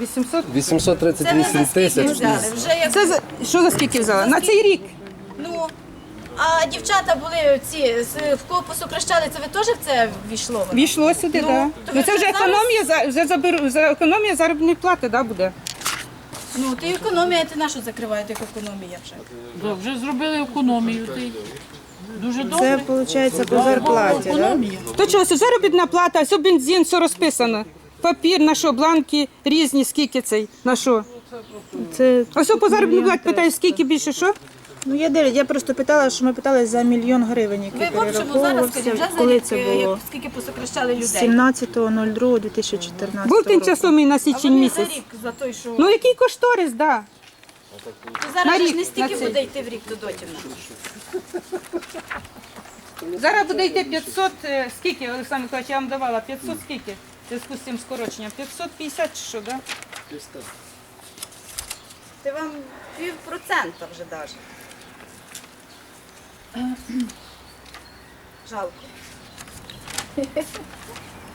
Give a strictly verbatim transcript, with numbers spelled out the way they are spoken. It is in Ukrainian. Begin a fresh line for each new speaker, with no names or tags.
вісімсот?
вісімсот тридцять
Це ви
вісім
за скільки
тисяч.
взяли? Вже як...
Це за, що за скільки взяла? На цей рік.
Ну, а дівчата були ці, з- в кого посокращали, це ви теж в це ввійшло? воно?
Війшло сюди,
Ну,
так.
то
Ну
ви
це вже
зараз-
економія, за, вже заберу, за економія заробітної плати, да, буде?
Ну, ти економія, ти нашу закриваєте, як економія вже.
Да, вже зробили економію. Ти. Дуже
Це
добре.
виходить по зарплаті, так?
Економія.
То чого, це заробітна плата, все бензин, все розписано. Папір, на що, бланки різні, скільки цей, на що?
Це
Ось по заробітній платі питаю, скільки більше, що?
ну я дивлюсь, я просто питала, що ми питали за мільйон гривень,
Ви
який
в общому зараз, скажіть, вже
перераховувався.
за
Коли
рік,
це
е,
було?
як- скільки посокращали людей?
сімнадцятого другого дві тисячі чотирнадцятого
Був
року.
тимчасовий на
А
січень
вони за
місяць.
рік, за той, що...
Ну який кошторис, так. Да.
То зараз
на
же ж
рік,
не стільки
на цей.
буде йти в рік до дотівна.
Зараз буде йти п'ятсот, е, скільки, Олександр Миколаївич, я вам давала, п'ятсот скільки? В зв'язку з цим скороченням. п'ятсот п'ятдесят чи що, так? Да?
Ти вам пів процента вже даже. Жалко.